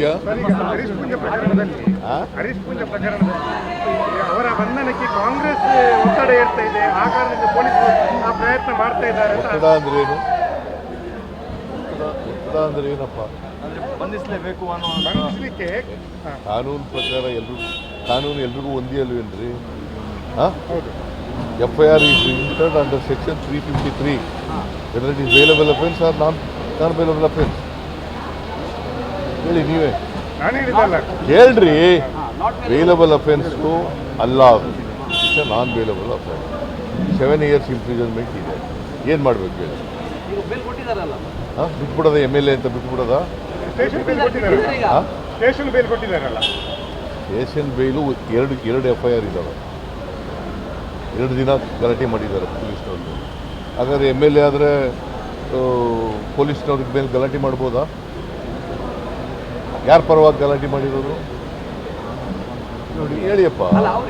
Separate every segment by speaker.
Speaker 1: ಇದೆಯಾ?
Speaker 2: ಹರೀಶ್ ಪೂಜೆ ಪ್ರಕರಣದಲ್ಲಿ ಅವರ ಬಂಧನಕ್ಕೆ ಕಾಂಗ್ರೆಸ್ ಒತ್ತಡ ಏರ್ತಾ ಇದೆ. ಆ ಕಾರಣದಿಂದ ಪೊಲೀಸರು ಆ ಪ್ರಯತ್ನ ಮಾಡ್ತಾ ಇದ್ದಾರೆ.
Speaker 1: ಒತ್ತಡ ಅಂದ್ರೆ ಏನು? ಒತ್ತಡ ಅಂದ್ರೆ ಏನಪ್ಪ?
Speaker 3: ಬಂಧಿಸಲೇಬೇಕು
Speaker 2: ಬಂಧಿಸಲಿಕ್ಕೆ
Speaker 1: ಕಾನೂನು ಪ್ರಕಾರ ಕಾನೂನು ಎಲ್ರಿಗೂ ಒಂದೇ ಅಲ್ವೇನ್ರಿ?
Speaker 2: ಹೌದು.
Speaker 1: FIR is registered under section 353. Whether it is bailable offence or non-bailable offence. ಹೇಳಿ ನೀವೇ.
Speaker 2: ನಾನು ಹೇಳಿದ್ದಲ್ಲ.
Speaker 1: ಹೇಳ್ರಿ, ಬೇಲಬಲ್ ಅಫೆನ್ಸ್ಗೂ ಅಲ್ಲ, it's a non bailable offence. 7 years imprisonment ಇದೆ. ಏನು ಮಾಡಬೇಕು ಹೇಳಿ? ಬಿಟ್ಬಿಡೋದ MLA ಅಂತ ಬಿಟ್ಬಿಡೋದ?
Speaker 2: ಸ್ಟೇಷನ್ ಬೇಲ್ ಕೊಟ್ಟಿದ್ದಾರಲ್ಲ. ಸ್ಟೇಷನ್ ಬೇಲ್ ಕೊಟ್ಟಿದ್ದಾರಲ್ಲ.
Speaker 1: ಸ್ಟೇಷನ್ ಬೇಲು ಎರಡು FIR ಇದ್ದಾವೆ. 2 ದಿನ ಗಲಾಟೆ ಮಾಡಿದ್ದಾರೆ ಪೊಲೀಸ್ನವ್ರಿಗೆ. ಹಾಗಾದ್ರೆ MLA ಆದರೆ ಪೊಲೀಸ್ನವ್ರಿಗೆ ಮೇಲೆ ಗಲಾಟೆ ಮಾಡ್ಬೋದಾ? ಯಾರ ಪರವಾಗಿ ಗಲಾಟೆ ಮಾಡಿರೋದು ನೋಡಿ ಹೇಳಿಯಪ್ಪ.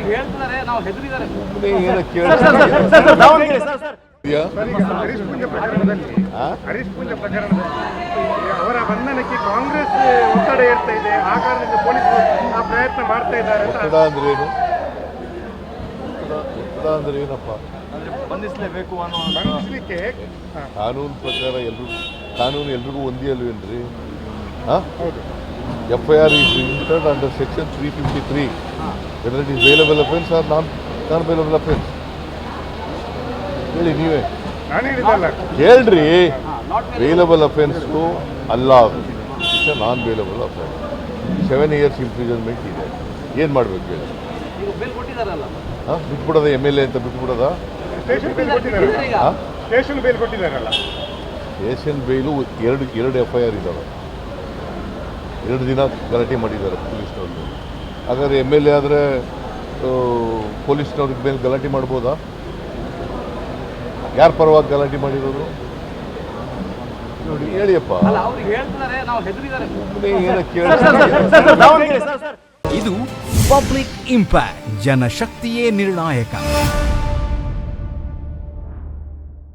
Speaker 2: ಹರೀಶ್ ಪೂಜೆ ಪ್ರಕರಣದಲ್ಲಿ ಅವರ ಬಂಧನಕ್ಕೆ ಕಾಂಗ್ರೆಸ್ ಒತ್ತಡ ಏರ್ತಾ ಇದೆ. ಆ ಕಾರಣದಿಂದ ಪೊಲೀಸರು ಆ ಪ್ರಯತ್ನ ಮಾಡ್ತಾ ಇದ್ದಾರೆ.
Speaker 1: ಒತ್ತಡ ಅಂದ್ರೆ ಏನು? ಒತ್ತಡ ಅಂದ್ರೆ ಏನಪ್ಪ?
Speaker 3: ಬಂಧಿಸಲೇಬೇಕು
Speaker 2: ಬಂಧಿಸಲಿಕ್ಕೆ
Speaker 1: ಕಾನೂನು ಪ್ರಕಾರ ಕಾನೂನು ಎಲ್ರಿಗೂ ಒಂದೇ ಅಲ್ವೇನ್ರಿ?
Speaker 2: ಹೌದು.
Speaker 1: FIR is registered under section 353. Whether it is bailable offence or non-bailable offence. ಹೇಳಿ ನೀವೇ.
Speaker 2: ನಾನು ಹೇಳಿದ್ದಲ್ಲ.
Speaker 1: ಹೇಳ್ರಿ, ಬೇಲಬಲ್ ಅಫೆನ್ಸ್ಗೂ ಅಲ್ಲ, it's a non bailable offence. 7 years imprisonment ಇದೆ. ಏನು ಮಾಡಬೇಕು ಹೇಳಿ? ಬಿಟ್ಬಿಡೋದ MLA ಅಂತ ಬಿಟ್ಬಿಡೋದ?
Speaker 2: ಸ್ಟೇಷನ್ ಬೇಲ್ ಕೊಟ್ಟಿದ್ದಾರಲ್ಲ. ಸ್ಟೇಷನ್ ಬೇಲ್ ಕೊಟ್ಟಿದ್ದಾರಲ್ಲ.
Speaker 1: ಸ್ಟೇಷನ್ ಬೇಲು ಎರಡು FIR ಇದ್ದಾವೆ. 2 ದಿನ ಗಲಾಟೆ ಮಾಡಿದ್ದಾರೆ ಪೊಲೀಸ್ನವ್ರಿಗೆ. ಹಾಗಾದ್ರೆ MLA ಆದರೆ ಪೊಲೀಸ್ನವ್ರಿಗೆ ಮೇಲೆ ಗಲಾಟೆ ಮಾಡ್ಬೋದಾ? ಯಾರ ಪರವಾಗಿ ಗಲಾಟೆ ಮಾಡಿರೋದು ನೋಡಿ ಹೇಳಿಯಪ್ಪ.
Speaker 4: ಇದು ಪಬ್ಲಿಕ್ ಇಂಪ್ಯಾಕ್ಟ್. ಜನಶಕ್ತಿಯೇ ನಿರ್ಣಾಯಕ.